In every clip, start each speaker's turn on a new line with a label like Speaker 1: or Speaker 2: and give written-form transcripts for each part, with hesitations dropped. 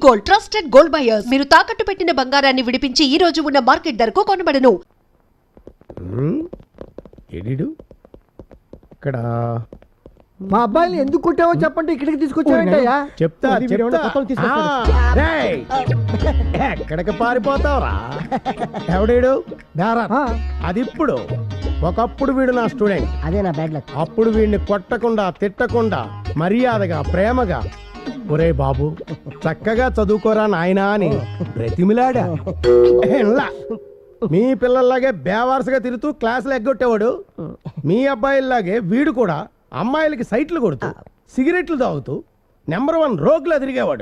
Speaker 1: Gold, trusted gold buyers. మీరు తాకట్టు పెట్టిన బంగారాన్ని విడిపించి ఈ రోజు ఉన్న మార్కెట్ ధరకు కొనబడను.
Speaker 2: ఇక్కడ
Speaker 3: మా అబ్బాయిని ఎందుకు కొట్టావో చెప్పండి, ఇక్కడికి తీసుకొచ్చావేంటయ్యా?
Speaker 2: చెప్తా ఎక్కడికి పారిపోతావురా? ఎవడీడు? అది ఇప్పుడు. ఒకప్పుడు వీడు నా స్టూడెంట్.
Speaker 3: అదే నా బ్యాడ్ లక్.
Speaker 2: అప్పుడు వీడిని కొట్టకుండా తిట్టకుండా మర్యాదగా ప్రేమగా ఒరే బాబు చక్కగా చదువుకోరా నాయనా అని బ్రతిమిలాడా. మీ పిల్లల్లాగే బేవారసుగా తిరుగుతూ క్లాసులు ఎగ్గొట్టేవాడు. మీ అబ్బాయిలాగే వీడు కూడా అమ్మాయిలకి సైట్లు కొడుతూ సిగరెట్లు తాగుతూ నెంబర్ 1 రోగులా తిరిగేవాడు.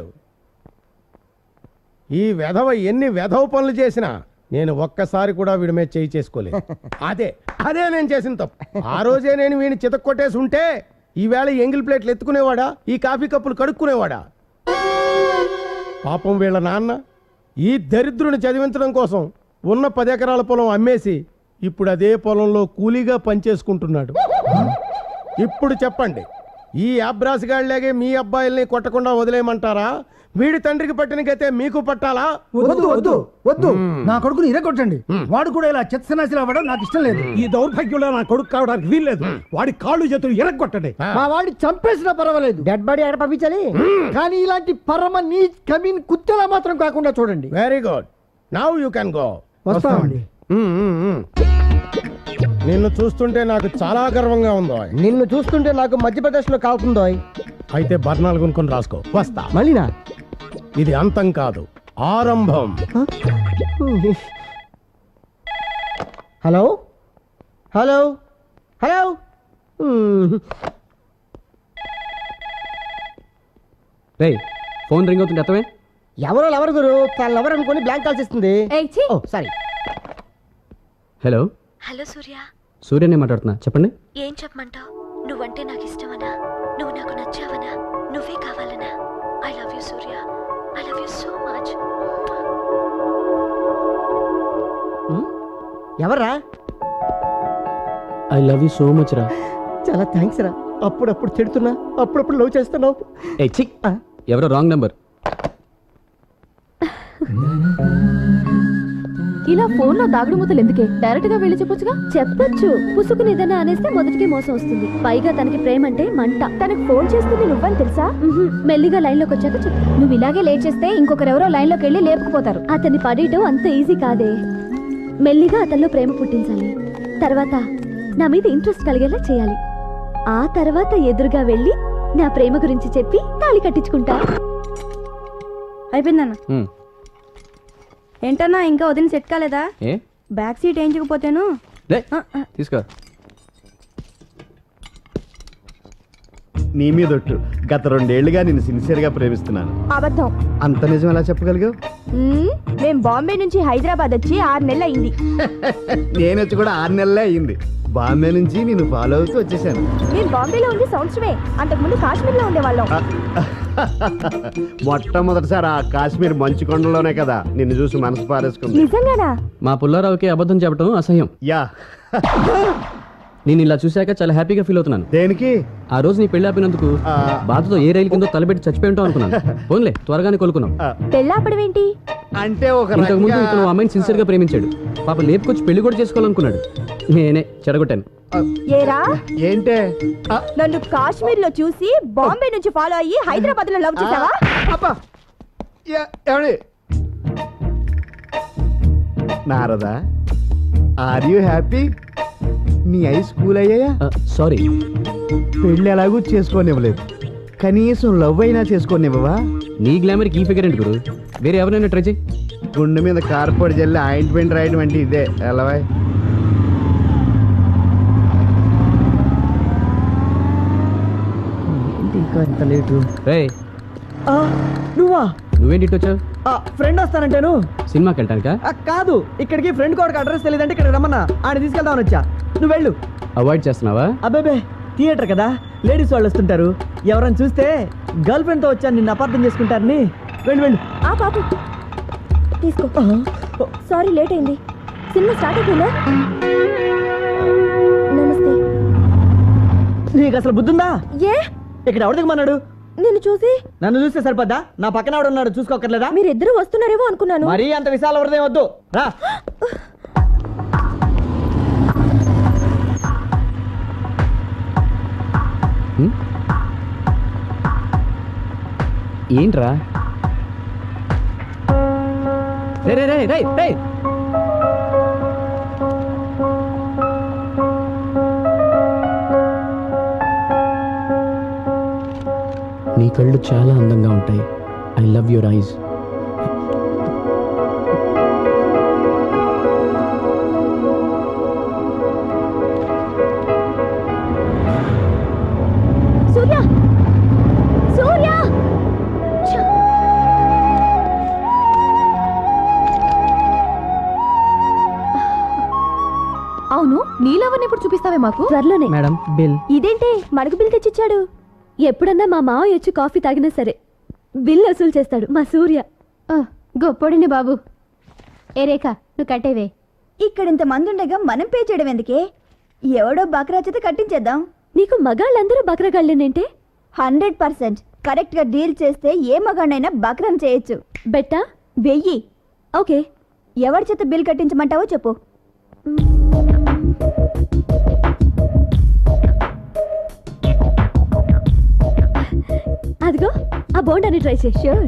Speaker 2: ఈ వెధవ ఎన్ని వెధవ పనులు చేసినా నేను ఒక్కసారి కూడా వీడి మీద చేయి చేసుకోలేదు. అదే నేను చేసిన తప్పు. ఆ రోజే నేను వీడిని చితక్కొట్టేసి ఉంటే ఈవేళ ఎంగిల్ ప్లేట్లు ఎత్తుకునేవాడా, ఈ కాఫీ కప్పులు కడుక్కునేవాడా? పాపం వీళ్ళ నాన్న ఈ దరిద్రుని చదివించడం కోసం ఉన్న 10 ఎకరాల పొలం అమ్మేసి ఇప్పుడు అదే పొలంలో కూలీగా పనిచేసుకుంటున్నాడు. ఇప్పుడు చెప్పండి, ఈ అబ్రాసిగాళ్ళలాగే మీ అబ్బాయిల్ని కొట్టకుండా వదిలేయమంటారా? వీడి తండ్రికి పట్టిన గతే మీకు పట్టాలా?
Speaker 3: వద్దు వద్దు వద్దు, నా కొడుకుని ఇరగొట్టండి. వాడు కూడా ఇలా చెత్తనాశలు అవ్వడం నాకు ఇష్టం లేదు.
Speaker 4: ఈ దౌర్భాగ్యంలో నా కొడుకు కావడానికి వీల్లేదు. వాడి కాళ్ళు చేతులు ఇరగొట్టండి.
Speaker 3: మా వాడిని చంపేసినా పర్వాలేదు, డెడ్ బాడీ ఎక్కడ పంపించాలి. కానీ ఇలాంటి పరమ నీ కమీన్ కుత్తెలా మాత్రం కాకుండా చూడండి.
Speaker 2: Very good, now you can go.
Speaker 3: వస్తామండి.
Speaker 2: నిన్ను చూస్తుంటే నాకు చాలా గర్వంగా ఉందో.
Speaker 3: నిన్ను చూస్తుంటే నాకు మధ్యప్రదేశ్ లో కాకుందో.
Speaker 2: అయితే బర్ణాలు కొనుక్కొని రాసుకో. వస్తా.
Speaker 3: మళ్ళీనా?
Speaker 2: ఇది అంతం కాదు, ఆరంభం.
Speaker 3: Hello hello hello.
Speaker 5: రే ఫోన్ రింగ్ అవుతుంది అర్థమే.
Speaker 3: ఎవరు గురు, తను ఎవరు అనుకుని బ్లాంక్ కాల్స్ ఇస్తుంది. సారీ.
Speaker 5: Hello
Speaker 6: hello Surya.
Speaker 5: సూర్యనే మాట్లాడుతున్నా, చెప్పండి.
Speaker 6: ఏం చెప్పమంటావు? నువ్వంటే నాకు ఇష్టమనా? నువ్వు నాకు నచ్చావనా? నువ్వే కావాలనా? I love you Surya, I love you so much.
Speaker 3: ఎవర్రా?
Speaker 5: I love you so much రా.
Speaker 3: చాలా థ్యాంక్స్ రా. అప్పుడప్పుడు తిడుతున్నా, అప్పుడప్పుడు లవ్ చేస్తున్నావు.
Speaker 5: ఏ చి, ఎవరో రాంగ్ నెంబర్.
Speaker 6: ఇలా ఫోన్ లో దాగుడు మూతలు ఎందుకే? డైరెక్ట్ గా వెళ్ళి చెప్పొచ్చుగా. చెప్పొచ్చు, పుసుకుని ఏదైనా అనేస్తే మొదటికి మోసం వస్తుంది. పైగా తనకి ప్రేమ అంటే మంట. తనకు ఫోన్ చేస్తుంది నువ్వని తెలుసా? మెల్లిగా లైన్ లోకి వచ్చాక చెప్పు. నువ్వు ఇలాగే లేట్ చేస్తే ఇంకొకరెవరో లైన్ లోకి వెళ్ళి లేపుకుపోతారు. అతన్ని పడేయటం అంత ఈజీ కాదే. మెల్లిగా అతనిలో ప్రేమ పుట్టించాలి. తర్వాత నా మీద ఇంట్రెస్ట్ కలిగేలా చేయాలి. ఆ తర్వాత ఎదురుగా వెళ్ళి నా ప్రేమ గురించి చెప్పి తాళి కట్టించుకుంటా.
Speaker 7: అయిపోయిందన్న. ఏంటన్నా ఇంకా వదిన సెట్ కాలేదా? బ్యాక్ సీట్ వేయించకపోతేను.
Speaker 5: తీసుకో.
Speaker 8: నీ మీదొట్టు, గత 2 ఏళ్లుగా నేను సిన్సియర్గా ప్రేమిస్తున్నాను.
Speaker 7: అబద్ధం.
Speaker 8: అంత నిజం ఎలా చెప్పగలిగావు?
Speaker 7: మేం బాంబే నుంచి హైదరాబాద్ వచ్చి 6 నెలలు అయింది.
Speaker 8: నేను వచ్చి కూడా 6 నెలలే అయింది. బాంబే నుంచి నేను ఫాలో అవుతూ వచ్చేసాను.
Speaker 7: మేము బాంబేలో ఉంది సంవత్సరమే. అంతకుముందు కాశ్మీర్లో ఉండేవాళ్ళం.
Speaker 8: మొట్టమొదటిసారి ఆ కాశ్మీర్ మంచు కొండలోనే కదా నిన్ను చూసి మనసు పారేసుకుంది.
Speaker 7: నిజంగానా?
Speaker 5: మా పుల్లారావుకి అబద్ధం చెప్పడం అసహ్యం.
Speaker 8: యా.
Speaker 5: నేను ఇలా చూశాక చాలా హ్యాపీగా ఫీల్ అవుతున్నాను.
Speaker 8: దేనికి?
Speaker 5: ఆ రోజు నీ పెళ్లి ఆపినందుకు బాధతో ఏ రైలు కిందో తలబెట్టి చచ్చిపోయి ఉంటావు అనుకున్నాను. ఫోన్లే, త్వరగానే కోలుకున్నాం.
Speaker 7: పెళ్ళాపడం ఏంటి
Speaker 8: అంటే
Speaker 5: ఇంతకు ముందు ఇతను అమ్మాయిని సిన్సియర్ గా ప్రేమించాడు. పాప లేపుకొచ్చి పెళ్లి కూడా చేసుకోవాలనుకున్నాడు. నేనే చెడగొట్టాను.
Speaker 7: ఏరా
Speaker 8: ఏంటే?
Speaker 7: నన్ను కాశ్మీర్ లో చూసి బాంబే నుంచి ఫాలో అయ్యి హైదరాబాద్ లో లవ్ చేసావా?
Speaker 8: Narada, are you happy? నీ ఐ స్కూల్ అయ్యాయా?
Speaker 5: సారీ,
Speaker 8: పెళ్ళి ఎలాగూ చేసుకోనివ్వలేదు, కనీసం లవ్ అయినా చేసుకోనివ్వవా?
Speaker 5: నీ గ్లామర్కి ఈ ఫిగర్ ఏంటి గురు? వేరే ఎవరైనా ట్రై చేయి.
Speaker 8: గుండె మీద కార్పొడి జల్లి ఆయింట్మెంట్ రాయడం అంటే ఇదే ఎలావా?
Speaker 3: ఇంకా ఎంత లేటు?
Speaker 5: రే
Speaker 3: నువ్వా?
Speaker 5: నువ్వేంటి ఇటు వచ్చావు?
Speaker 3: ఫ్రెండ్ వస్తానంటాను.
Speaker 5: సినిమాకి వెళ్ళటానికా?
Speaker 3: కాదు, ఇక్కడికి ఫ్రెండ్ కోడికి అడ్రస్ తెలియదంటే ఇక్కడ రమ్మన్నా, ఆయన తీసుకెళ్దామని వచ్చా. నువ్వు వెళ్ళు.
Speaker 5: అవాయిడ్ చేస్తున్నావా?
Speaker 3: అబ్బాబే, థియేటర్ కదా, లేడీస్ వాళ్ళు వస్తుంటారు. ఎవరైనా చూస్తే గర్ల్ ఫ్రెండ్ తో వచ్చాను నిన్ను అపార్థం చేసుకుంటారని. వెళ్ళు.
Speaker 7: ఆ పాపు తీసుకో. సారీ లేట్ అయింది. సినిమా స్టార్ట్ అయిపోయిందా? నమస్తే.
Speaker 3: నీకు అసలు బుద్ధుందా?
Speaker 7: ఏ
Speaker 3: ఇక్కడ ఎవరు దిగమన్నాడు?
Speaker 7: నిన్ను చూసి
Speaker 3: నన్ను చూస్తే సరిపోద్దా? నా పక్కన ఆవిడ ఉన్నాడు, చూసుకోకర్లేదా?
Speaker 7: మీరిద్దరూ వస్తున్నారేమో అనుకున్నాను.
Speaker 3: మరీ అంత విశాల హృదయం వద్దు, రా.
Speaker 5: ఏంట్రా? రే రే రే రే రే నీ కళ్ళు చాలా అందంగా ఉంటాయి. I love your eyes.
Speaker 6: Surya Surya ఛ!
Speaker 7: అవును, నీలవన్నీ ఇప్పుడు చూపిస్తావే మాకు?
Speaker 6: త్వరలోనే.
Speaker 5: Madam bill.
Speaker 6: ఇదేంటి మనకు బిల్ తెచ్చిచ్చాడు? ఎప్పుడన్నా మా మావయ్య వచ్చి కాఫీ తాగినా సరే బిల్ వసూలు చేస్తాడు మా సూర్య.
Speaker 7: గొప్పడిని బాబు. ఏ రేఖ, నువ్వు కట్టేవే.
Speaker 9: ఇక్కడ ఇంత మంది ఉండగా మనం పే చేయడం ఎందుకే? ఎవడో బక్రా చేత కట్టించేద్దాం.
Speaker 6: నీకు మగాళ్ళందరూ బక్రగాళ్ళేనంటే?
Speaker 9: 100% కరెక్ట్ గా డీల్ చేస్తే ఏ మగాడైనా బక్రం చేయొచ్చు.
Speaker 6: బెట్టా?
Speaker 9: 1000.
Speaker 6: ఓకే.
Speaker 9: ఎవరి చేత బిల్ కట్టించమంటావో చెప్పు.
Speaker 6: అదిగో ఆ బోండాన్ని ట్రై చేయి.
Speaker 9: షూర్.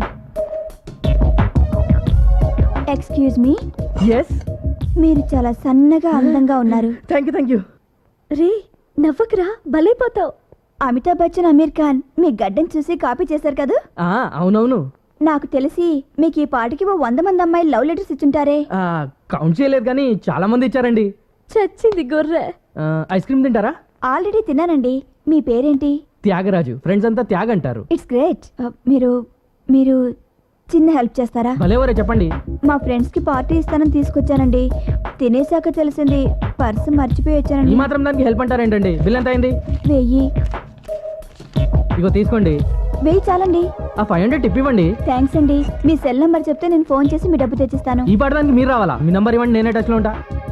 Speaker 9: ఎక్స్క్యూజ్ మీ,
Speaker 3: ఎస్,
Speaker 9: మీరు చాలా సన్నగా అందంగా ఉన్నారు.
Speaker 3: Thank you.
Speaker 6: రే నవ్వకురా, బలైపోతావు.
Speaker 9: అమితాబ్ బచ్చన్, అమీర్ ఖాన్ మీ గడ్డం చూసి కాపీ చేశారు కదా?
Speaker 3: అవునవును.
Speaker 9: నాకు తెలిసి మీకు ఈ పాటికి 100 మంది అమ్మాయిలు లవ్ లెటర్స్ ఇచ్చుంటారే.
Speaker 3: కౌంట్ చేయలేదు కానీ చాలా మంది ఇచ్చారండి.
Speaker 6: చచ్చింది గొర్రె.
Speaker 3: ఐస్ క్రీమ్ తింటారా?
Speaker 9: ఆల్రెడీ తిన్నానండి. మీ పేరేంటి?
Speaker 3: త్యాగరాజు. ఫ్రెండ్స్ అంతా త్యాగ్ అంటారు.
Speaker 9: It's great. మీరు మీరు చిన్న హెల్ప్ చేస్తారా?
Speaker 3: భలేవరే, చెప్పండి.
Speaker 9: మా ఫ్రెండ్స్ కి పార్టీ ఇస్తానని తీసుకొచ్చానండి. తినేసాక తెలిసింది పర్సు మర్చిపోయి
Speaker 3: ఈ
Speaker 9: వచ్చానండి.
Speaker 3: మాత్రం దానికి హెల్ప్ అంటారేంటండి? బిల్ ఎంత అయింది?
Speaker 9: 1000.
Speaker 3: ఇగో తీసుకోండి.
Speaker 9: 1000 చాలండి.
Speaker 3: ఆ 500 టిప్ ఇవ్వండి.
Speaker 9: థ్యాంక్స్ అండి. మీ సెల్ నంబర్ చెప్తే నేను ఫోన్ చేసి మీ డబ్బు తెచ్చిస్తాను.
Speaker 3: ఈ పాడడానికి మీరు రావాలా? మీ నంబర్ ఇవ్వండి, నేనే టచ్ లో ఉంటా.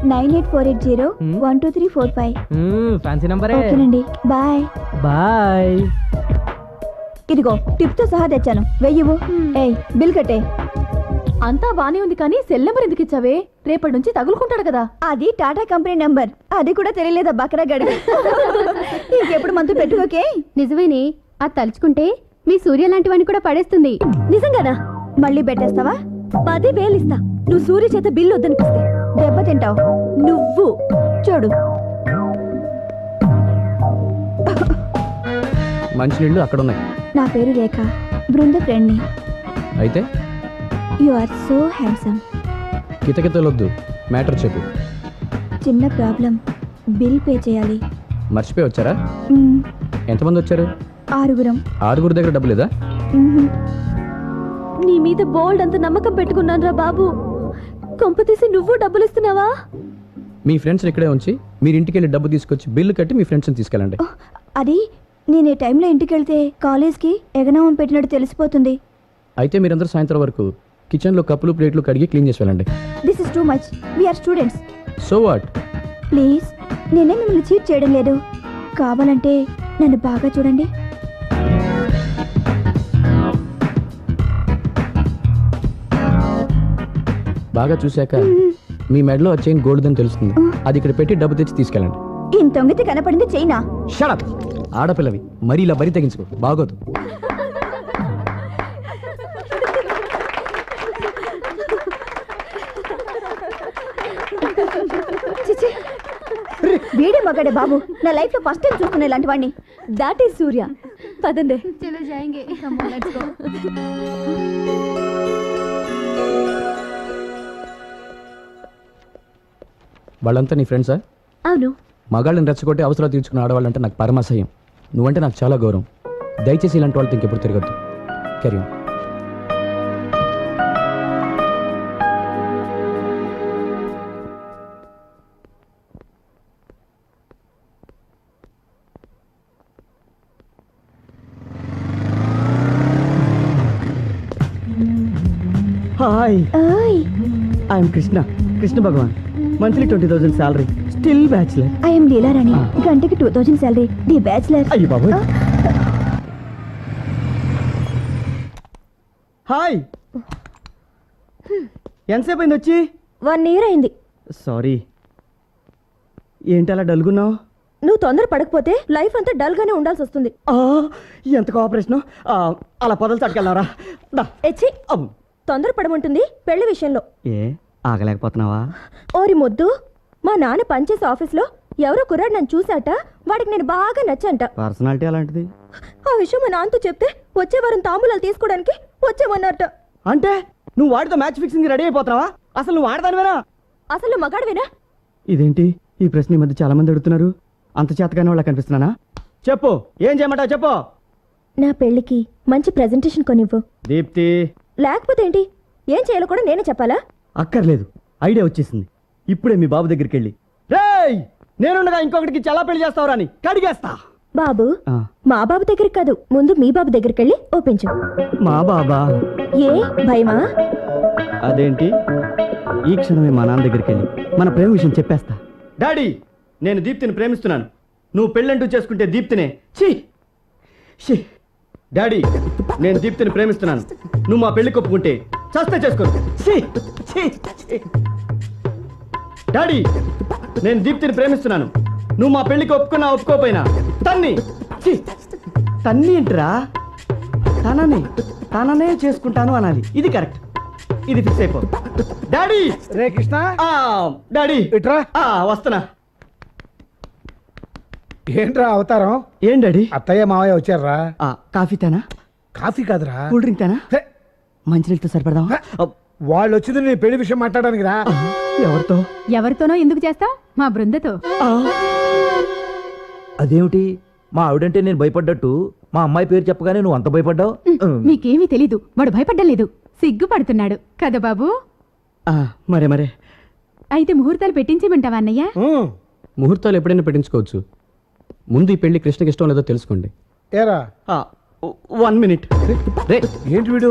Speaker 9: 9848012345.
Speaker 3: ఫ్యాన్సీ నంబరే.
Speaker 9: ఓకేనండి, బాయ్.
Speaker 3: బాయ్.
Speaker 9: ఇదిగో టిప్ తో సహా తెచ్చాను. 1000. ఏయ్, బిల్ కట్టే.
Speaker 7: అంతా బానే ఉంది కానీ సెల్ నెంబర్ ఎందుకు ఇచ్చావే? రేపటి నుంచి తగులుకుంటాడు కదా.
Speaker 9: అది టాటా కంపెనీ నంబర్. అది కూడా తెలియలేదా బకరా గడి? ఇంకెప్పుడు మందు పెట్టుకోకే.
Speaker 6: నిజమేనే, అది తలుచుకుంటే మీ సూర్య లాంటి వాడిని కూడా పడేస్తుంది. నిజంగానా?
Speaker 9: మళ్ళీ పెట్టేస్తావా?
Speaker 6: 10,000 ఇస్తా నువ్వు సూర్య చేత బిల్లు వద్దనిపిస్తే.
Speaker 9: దెబ్బ తింటావు
Speaker 6: నువ్వు.
Speaker 9: చూడు.
Speaker 5: మంచినీళ్ళు అక్కడ ఉన్నాయి.
Speaker 9: నా పేరు రేఖ, బృంద ఫ్రెండ్ని.
Speaker 5: అయితే
Speaker 9: యు ఆర్ సో హ్యాండ్సమ్.
Speaker 5: కితకితలొద్దు, మ్యాటర్ చెప్పు.
Speaker 9: చిన్న ప్రాబ్లం. బిల్ పే చేయాలి.
Speaker 5: మర్చిపోయి వచ్చారా?
Speaker 9: మ్మ్.
Speaker 5: ఎంతమంది వచ్చారు?
Speaker 9: 6.
Speaker 5: 6 దగ్గర డబ్బు లేదా?
Speaker 9: మ్మ్.
Speaker 6: నీ మీద బోల్డ్ అంత నమ్మకం పెట్టుకున్నాను రా బాబు. కొంపతీసి నువ్వు డబ్బులు ఇస్తున్నావా?
Speaker 5: మీ ఫ్రెండ్స్ ఇక్కడే ఉంచి మీరు ఇంటికి వెళ్ళి డబ్బు తీసుకొచ్చి బిల్లు కట్టి మీ ఫ్రెండ్స్ని తీసుకెళ్ళండి.
Speaker 9: అది నేను ఈ టైంలో ఇంటికి వెళ్తే కాలేజ్కి ఎగనామం పెట్టినట్టు తెలిసిపోతుంది.
Speaker 5: అయితే మీరందరూ సాయంత్రం వరకు కిచెన్లో కప్పులు ప్లేట్లు కడిగి క్లీన్ చేసి వెళ్ళండి.
Speaker 9: This is too much. We are students.
Speaker 5: So what?
Speaker 9: Please, నేనే మిమ్మల్ని చీట్ చేయడం లేదు. కావాలంటే నన్ను బాగా చూడండి.
Speaker 5: బాగా చూశాక మీ మెడలో ఆ చైన్ గోల్డ్దని తెలుస్తుంది. అది ఇక్కడ పెట్టి డబ్బు తెచ్చి తీసుకెళ్ళండి.
Speaker 9: ఇంత తొంగితే కనపడింది చైనా.
Speaker 5: షడప్! ఆడపిల్లవి మరీ ఇలా బరి తెగించుకో, బాగోదు.
Speaker 9: చిచి, వీడే మగాడే బాబు. నా లైఫ్ లో ఫస్ట్ టైం చూస్తున్నా ఇలాంటి వాడిని.
Speaker 6: That is Surya. పదండి.
Speaker 5: వాళ్ళంతా నీ ఫ్రెండ్సా?
Speaker 6: అవును.
Speaker 5: మగాళ్ళని రెచ్చగొట్టి అవసరాలు తీర్చుకున్న ఆడవాళ్ళంటే నాకు పరమాసహ్యం. నువ్వంటే నాకు చాలా గౌరవం. దయచేసి ఇలాంటి వాళ్ళతో ఇంకెప్పుడు తిరగద్దు. Carry on.
Speaker 3: హాయ్,
Speaker 9: ఓయ్,
Speaker 3: I'm Krishna. Krishna Bhagwan. Monthly 20,000 salary, still bachelor.
Speaker 9: I'm Leelarani. గంటకి 2000 శాలరీ, ది బ్యాచులర్.
Speaker 3: అయ్యి బాబు. హాయ్. ఎంతసేపు అయింది వచ్చి?
Speaker 9: 1 year అయింది.
Speaker 3: సారీ. ఏంటి అలా డల్గున్నావు?
Speaker 9: నువ్వు తొందర పడకపోతే లైఫ్ అంతా డల్ గానే ఉండాల్సి వస్తుంది.
Speaker 3: ఎంత కోఆపరేషన్. అలా పొదలు తట్టుకెళ్ళారా?
Speaker 9: ఎచ్చి తొందర పడమంటుంది పెళ్లి విషయంలో.
Speaker 3: ఏ ఆగలేకపోతున్నావా?
Speaker 9: ఓరి మొద్దు, మా నాన్న పనిచేసే ఆఫీస్లో ఎవరో కుర్రాడు నన్ను చూశాట. వాడికి నేను బాగా నచ్చంట.
Speaker 3: పర్సనాలిటీ అలాంటిది.
Speaker 9: ఆ విషయం మా నాన్నతో చెప్తే వచ్చే వారం తాంబూలాలు తీసుకోవడానికి వచ్చేమన్నట్ట.
Speaker 3: అంటే నువ్వు వాడితో మ్యాచ్ ఫిక్సింగ్ రెడీ అయిపోతున్నావా? అసలు నువ్వు ఆడదానివేనా?
Speaker 9: అసలు నువ్వు మగాడివేనా?
Speaker 3: ఇదేంటి ఈ ప్రశ్న ఈ మధ్య చాలా మంది అడుగుతున్నారు. అంత చేతగానే వాళ్ళ కనిపిస్తున్నానా? చెప్పు, ఏం చేయమంటావు చెప్పు.
Speaker 9: నా పెళ్లికి మంచి ప్రెజెంటేషన్ కొనివ్వు.
Speaker 3: దీప్తి.
Speaker 9: లేకపోతే ఏంటి? ఏం చేయాలో కూడా నేనే చెప్పాలా?
Speaker 3: అక్కర్లేదు, ఐడియా వచ్చేసింది. ఇప్పుడే మీ బాబు దగ్గరికి వెళ్ళి, రేయ్ నేనుండగా ఇంకొకటికి చాలా పెళ్లి చేస్తావురా అని కడిగేస్తా.
Speaker 9: బాబు, మా బాబు దగ్గరికి కాదు, ముందు మీ బాబు దగ్గరికి వెళ్ళి ఒప్పించు.
Speaker 3: మా బాబా?
Speaker 9: ఏ భయమా?
Speaker 3: అదేంటి, ఈ క్షణమే మా నాన్న దగ్గరికి వెళ్ళి మన ప్రేమ విషయం చెప్పేస్తా. డాడీ, నేను దీప్తిని ప్రేమిస్తున్నాను. నువ్వు పెళ్ళంటూ చేసుకుంటే దీప్తినే. ఛీ. డాడీ, నేను దీప్తిని ప్రేమిస్తున్నాను. నువ్వు మా పెళ్లి ఒప్పుకుంటే చస్తే చేసుకోను. డాడీ, నేను దీప్తిని ప్రేమిస్తున్నాను. నువ్వు మా పెళ్లికి ఒప్పుకున్నా ఒప్పుకోపోయినా తన్ని. తన్ని ఏంట్రా? తననే చేసుకుంటాను అనాలి. ఇది కరెక్ట్. ఇది ఫిక్స్ అయిపో. డాడీ.
Speaker 4: రే కృష్ణ.
Speaker 3: డాడీ
Speaker 4: ఇట్రా.
Speaker 3: వస్తున్నా.
Speaker 4: ఏంట్రా అవతారం?
Speaker 3: ఏం డాడీ?
Speaker 4: అత్తయ్య మావయ్య వచ్చారా?
Speaker 3: కాఫీ తేనా?
Speaker 4: కాఫీ కాదురా,
Speaker 3: కూల్ డ్రింక్ తేనా?
Speaker 4: హే,
Speaker 3: మంచినీళ్ళతో సరిపడదాం.
Speaker 4: వాళ్ళు వచ్చింది నీ పెళ్లి విషయం మాట్లాడడానికి రా.
Speaker 3: ఎవరితో?
Speaker 7: ఎవరితోనో ఎందుకు చేస్తావు? మా బృందతో.
Speaker 10: అదేమిటి, మా ఆవిడంటే నేను భయపడ్డట్టు మా అమ్మాయి పేరు చెప్పగానే నువ్వు అంత భయపడ్డావు?
Speaker 7: మీకేమీ తెలీదు. వాడు భయపడ్డం లేదు, సిగ్గుపడుతున్నాడు కదా బాబు.
Speaker 3: మరే
Speaker 7: అయితే ముహూర్తాలు పెట్టించమంటావా అన్నయ్య?
Speaker 5: ముహూర్తాలు ఎప్పుడైనా పెట్టించుకోవచ్చు. ముందు ఈ పెళ్లి కృష్ణకి ఇష్టం లేదో తెలుసుకోండి.
Speaker 2: ఏరా
Speaker 3: 1 minute.
Speaker 5: రే
Speaker 4: ఏంటి వీడు?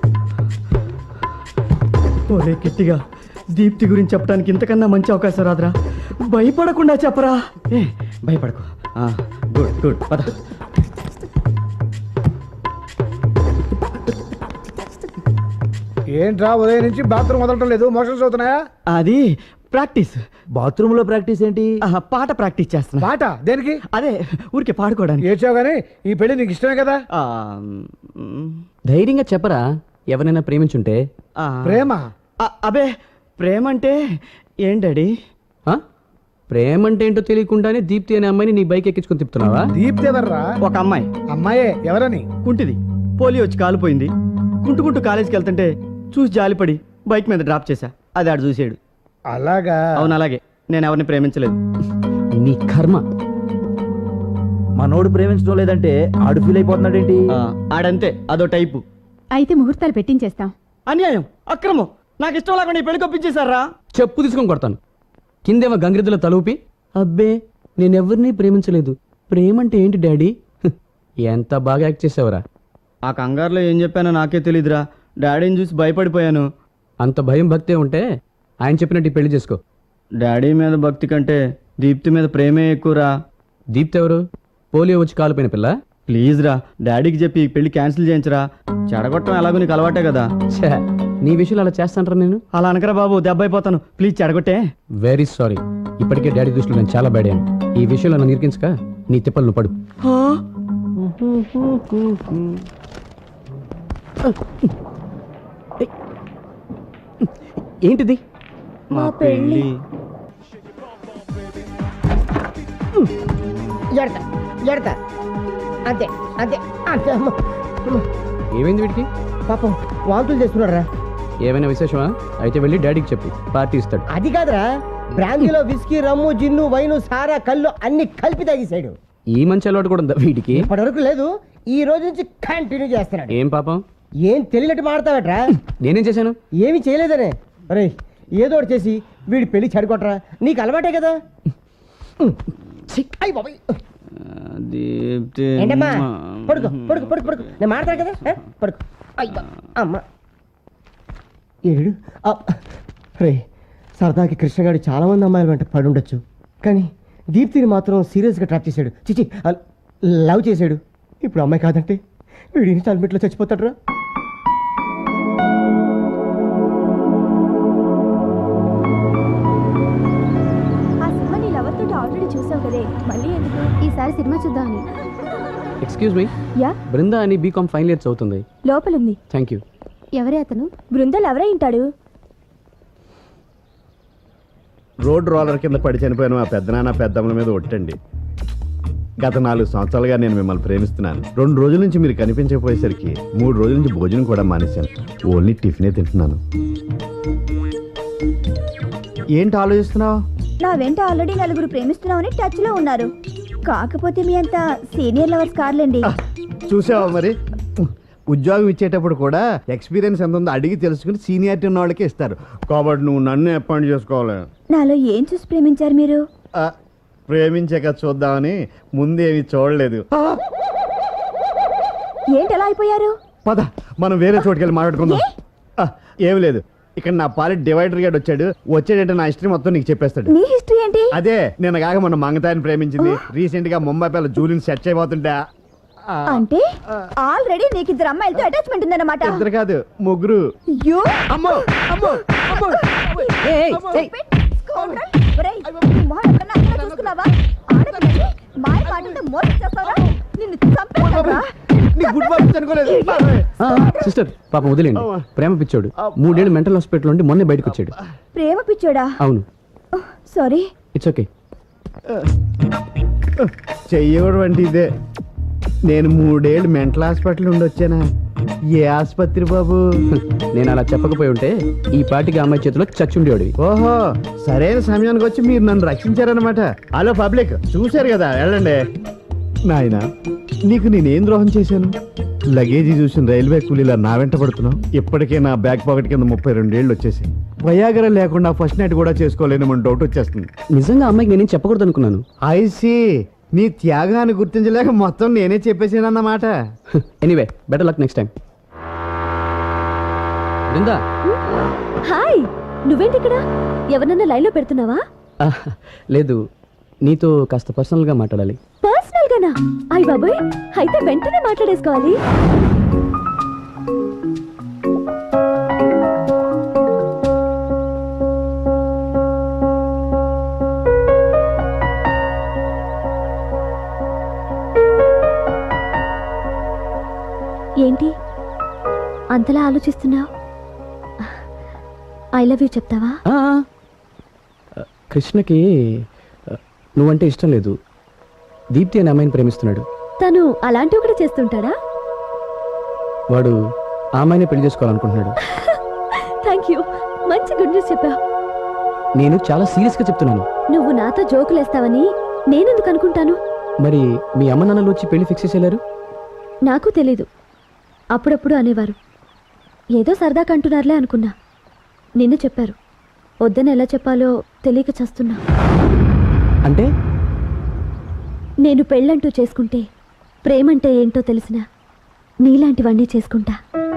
Speaker 3: ఒరే కిట్టిగా, దీప్తి గురించి చెప్పడానికి ఇంతకన్నా మంచి అవకాశం రాదురా. భయపడకుండా చెప్పరా. భయపడకు. గుడ్ పద.
Speaker 4: ఏంట్రా ఉదయం నుంచి బాత్రూమ్ వదలటం లేదు, మోషన్స్ అవుతున్నాయా?
Speaker 3: అది ప్రాక్టీస్.
Speaker 10: బాత్రూమ్ లో ప్రాక్టీస్ ఏంటి?
Speaker 3: పాట ప్రాక్టీస్ చేస్తున్నా.
Speaker 4: పాట దేనికి?
Speaker 3: అదే ఊరికే పాడుకోవడానికి.
Speaker 4: ఏడ్చావు కానీ ఈ పెళ్లి నీకు ఇష్టమే కదా?
Speaker 5: ధైర్యంగా చెప్పరా, ఎవరైనా ప్రేమించుంటే.
Speaker 4: ప్రేమ?
Speaker 3: అబే, ప్రేమ అంటే ఏంటడి?
Speaker 5: ప్రేమ అంటే ఏంటో తెలియకుండానే దీప్తి అనే అమ్మాయిని నీ బైక్ ఎక్కించుకొని తిప్పుతున్నావా?
Speaker 4: దీప్తి ఎవర్రా?
Speaker 3: ఒక అమ్మాయి.
Speaker 4: అమ్మాయే? ఎవరని?
Speaker 3: కుంటిది, పోలియో వచ్చి కాలిపోయింది. కుంటుకుంటూ కాలేజీకి వెళ్తుంటే చూసి జాలిపడి బైక్ మీద డ్రాప్ చేశా. అది ఆడు చూసాడు.
Speaker 4: అలాగా?
Speaker 3: అవును అలాగే. నేను ఎవరిని ప్రేమించలేదు.
Speaker 5: నీ కర్మ.
Speaker 10: మనోడు ప్రేమించడం లేదంటే ఆడు ఫీల్ అయిపోతున్నాడేంటి?
Speaker 3: ఆడంతే, అదో టైపు.
Speaker 7: అయితే ముహూర్తాలు పెట్టించేస్తాం.
Speaker 3: అన్యాయం, అక్రమం. నాకు ఇష్టం లేకుండా ఈ పెళ్లి కొప్పించేశారా?
Speaker 5: చెప్పు తీసుకొని కొడతాను. కిందేమో గంగిరెద్దుల తలూపి, అబ్బే నేనెవరిని ప్రేమించలేదు, ప్రేమంటే ఏంటి డాడీ, ఎంత బాగా యాక్ట్ చేసావురా.
Speaker 3: ఆ కంగారులో ఏం చెప్పానో నాకే తెలీదురా. డాడీని చూసి భయపడిపోయాను.
Speaker 5: అంత భయం భక్తే ఉంటే ఆయన చెప్పినట్టు ఈ పెళ్లి చేసుకో.
Speaker 3: డాడీ మీద భక్తి కంటే దీప్తి మీద ప్రేమే ఎక్కువరా.
Speaker 5: దీప్తి ఎవరు? పోలియో వచ్చి కాలిపోయిన పిల్ల.
Speaker 3: ప్లీజ్ రా, డాడీకి చెప్పి ఈ పెళ్లి క్యాన్సిల్ చేయించరా. చెడగొట్టడం ఎలాగో నీకు అలవాటే కదా.
Speaker 5: ఛే, నీ విషయంలో అలా చేస్తానరా నేను?
Speaker 3: అలా అనకరా బాబు, దెబ్బ అయిపోతాను. ప్లీజ్ చెడగొట్టే.
Speaker 5: Very sorry. ఇప్పటికే డాడీ దృష్టిలో నేను చాలా బ్యాడ్ అయ్యాను. ఈ విషయంలో నన్ను ఇరికించక నీ తిప్పలు నువ్వు పడు. ఏంటిది?
Speaker 3: మా పెళ్లి.
Speaker 2: అంతే అంతే అంతే.
Speaker 5: ఏమైంది వీడికి?
Speaker 2: పాపం వాంతులు చేస్తున్నారా?
Speaker 5: ఏమైనా విశేషమా? అయితే వెళ్ళి డాడీకి చెప్పు, పార్టీ ఇస్తాడు.
Speaker 2: అది కాదురా, బ్రాందీలో విస్కీ, రమ్ము, జిన్ను, వైను, సారా, కళ్ళు అన్ని కలిపి తాగేసాడు.
Speaker 5: ఈ మంచి అలవాటు కూడా ఉందా వీడికి?
Speaker 2: ఇప్పటివరకు లేదు, ఈ రోజు నుంచి కంటిన్యూ చేస్తున్నాడు.
Speaker 5: ఏం పాపం?
Speaker 2: ఏం తెలియనట్టు మాడతావట్రా?
Speaker 5: నేనేం చేశాను?
Speaker 2: ఏమి చేయలేదనే. అరే ఏదో ఒకటి చేసి వీడి పెళ్లి చెడగొట్టరా, నీకు అలవాటే కదా. అయ్య బాబాయ్. ఏంటమ్మా, పడుకో పడుకో పడుకో పడుకో, నేను మాడతాను కదా, పడుకో. అయ్యా అమ్మ ఏడు. రే, సరదాకి కృష్ణగాడు చాలా మంది అమ్మాయిల వెంట పడి ఉండొచ్చు, కానీ దీప్తిని మాత్రం సీరియస్గా ట్రాప్ చేశాడు. చిచి, లవ్ చేశాడు. ఇప్పుడు అమ్మాయి కాదంటే వీడి ఇన్స్టాల్మెంట్లో చచ్చిపోతాడు రా.
Speaker 6: ఇవాళ సినిమా చూద్దామని.
Speaker 5: ఎక్స్క్యూజ్ మీ,
Speaker 9: యా
Speaker 5: బృందా అని బీకామ్ ఫైనల్ ఇయర్ చదువుతుంది.
Speaker 9: లోపలుంది.
Speaker 5: Thank you.
Speaker 6: ఎవరే అతను?
Speaker 9: బృందాలు ఎవరై ఉంటాడు?
Speaker 8: రోడ్ రోలర్ కింద పడి చనిపోయిన మా పెద్దనాన్న పెద్దమ్మల మీద ఒట్టండి. గత 4 సంవత్సరాలుగా నేను మిమ్మల్ని ప్రేమిస్తున్నాను. 2 రోజుల నుంచి మీరు కనిపించకపోయేసరికి 3 రోజుల నుంచి భోజనం కూడా మానేశాను. ఓన్లీ టిఫినే తింటున్నాను. ఏంటి ఆలోచిస్తున్నావు?
Speaker 9: నా వెంట ఆల్రెడీ 4 ప్రేమిస్తున్నామని టచ్ లో ఉన్నారు. కాకపోతే మీ అంత సీనియర్ లవర్స్ కార్లేండి.
Speaker 8: చూసావా మరి, ఉద్యోగం ఇచ్చేటప్పుడు కూడా ఎక్స్పీరియన్స్ ఎంత ఉందో అడిగి తెలుసుకుని సీనియారిటీ ఉన్న వాళ్ళకే ఇస్తారు. కాబట్టి నువ్వు నన్ను అపాయింట్ చేసుకోవాలి.
Speaker 9: నాలో ఏం చూసి ప్రేమించారు మీరు?
Speaker 8: ప్రేమించాక చూద్దామని ముందేమి చూడలేదు.
Speaker 9: ఏంటి ఎలా అయిపోయారు?
Speaker 8: పద మనం వేరే చోటుకి వెళ్ళి మాట్లాడుకుందాం. ఏమి లేదు, ఇక్కడ నా పాలిట్ డివైడర్ గార్డ్ వచ్చాడంటే నా హిస్టరీ మొత్తం నీకు చెప్పేస్తాడు.
Speaker 9: నీ హిస్టరీ ఏంటి?
Speaker 8: అదే నేను కాక మన మంగతాయిని ప్రేమించింది. రీసెంట్ గా ముంబై పిల్ల జూలిని సెట్ అయిపోతుంటా.
Speaker 9: అంటే ఆల్రెడీ నీకు 2 అమ్మాయిలతో అటాచ్మెంట్ ఉందన్నమాట.
Speaker 8: 2 కాదు 3.
Speaker 9: అయ్యో!
Speaker 8: అమ్మో అమ్మో అమ్మో.
Speaker 9: స్కౌండ్రల్! ఒరేయ్, నీ మొహం ఎప్పుడన్నా అక్కడ చూసుకున్నావా? ఆడపిల్లని మాయ మాటలతో మోసం చేస్తావా? నిన్ను చంపేస్తావా?
Speaker 8: నీ గుడ్ మార్క్స్ అనుకోలేదు.
Speaker 5: సిస్టర్ పాపం వదిలేండి, ప్రేమ పిచ్చోడు. 3 ఏళ్ళు మెంటల్ హాస్పిటల్ నుండి మొన్నే బయటకు వచ్చాడు.
Speaker 9: ప్రేమ పిచ్చోడా?
Speaker 5: అవును.
Speaker 9: సారీ.
Speaker 5: It's okay.
Speaker 8: చెయ్యకూడదు అంటే ఇదే. నేను 3 ఏళ్ళు మెంటల్ హాస్పిటల్ నుండి వచ్చానా? ఏ ఆసుపత్రి బాబు?
Speaker 5: నేను అలా చెప్పకపోయి ఉంటే ఈ పాటికి అమ్మాయి చేతిలో చచ్చుండేవాడివి.
Speaker 8: ఓహో, సరైన సమయానికి వచ్చి మీరు నన్ను రక్షించారనమాట. హలో పబ్లిక్, చూశారు కదా, వెళ్ళండి. నాయనా, నీకు నేనేం ద్రోహం చేశాను? లగేజీ చూసిన రైల్వే కూలీలా నా వెంట పడుతున్నావు. ఇప్పటికే నా బ్యాక్ పాకెట్ కింద 32 ఏళ్ళు వచ్చేసి వయాగర లేకుండా ఫస్ట్ నైట్ కూడా చేసుకోలేని డౌట్ వచ్చేస్తుంది.
Speaker 5: నిజంగా అమ్మాయికి నేనేం చెప్పకూడదు అనుకున్నాను.
Speaker 8: ఐసి, నీ త్యాగాన్ని గుర్తించలేక మొత్తం నేనే చెప్పేసానన్నమాట.
Speaker 5: Anyway, better luck next time. Brinda.
Speaker 6: Hi, నువ్వేంటి ఇక్కడ? ఎవరన్నా లైన్లో పెడుతున్నావా?
Speaker 5: లేదు, నీతో కాస్త పర్సనల్గా మాట్లాడాలి.
Speaker 6: పర్సనల్ గానా? అయ్ బాబోయ్, అయితే వెంటనే మాట్లాడేసుకోవాలి. ఏంటి అంతలా ఆలోచిస్తున్నావు? ఐ లవ్ యూ చెప్తావా?
Speaker 5: కృష్ణకి నువ్వంటే ఇష్టం లేదు. దీప్తి అనే అమ్మాయిని ప్రేమిస్తున్నాడు.
Speaker 6: తను అలాంటివి కూడా చేస్తుంటాడా?
Speaker 5: వాడు ఆ అమ్మాయిని పెళ్లి చేసుకోవాలనుకుంటున్నాడు.
Speaker 6: థ్యాంక్ యూ, మంచి గుడ్ న్యూస్ చెప్పావు.
Speaker 5: నేను చాలా సీరియస్గా చెప్తున్నాను.
Speaker 6: నువ్వు నాతో జోకులేస్తావని నేనెందుకు అనుకుంటాను?
Speaker 5: మరి మీ అమ్మ నాన్నలు వచ్చి పెళ్లి ఫిక్స్ చేసేలారు?
Speaker 6: నాకు తెలీదు. అప్పుడప్పుడు అనేవారు. ఏదో సరదాగా అంటున్నారులే అనుకున్నా. నిన్ను చెప్పారు. వద్దని ఎలా చెప్పాలో తెలియక చస్తున్నా.
Speaker 5: అంటే
Speaker 6: నేను పెళ్ళంటూ చేసుకుంటే ప్రేమంటే ఏంటో తెలిసినా నీలాంటివన్నీ చేసుకుంటా.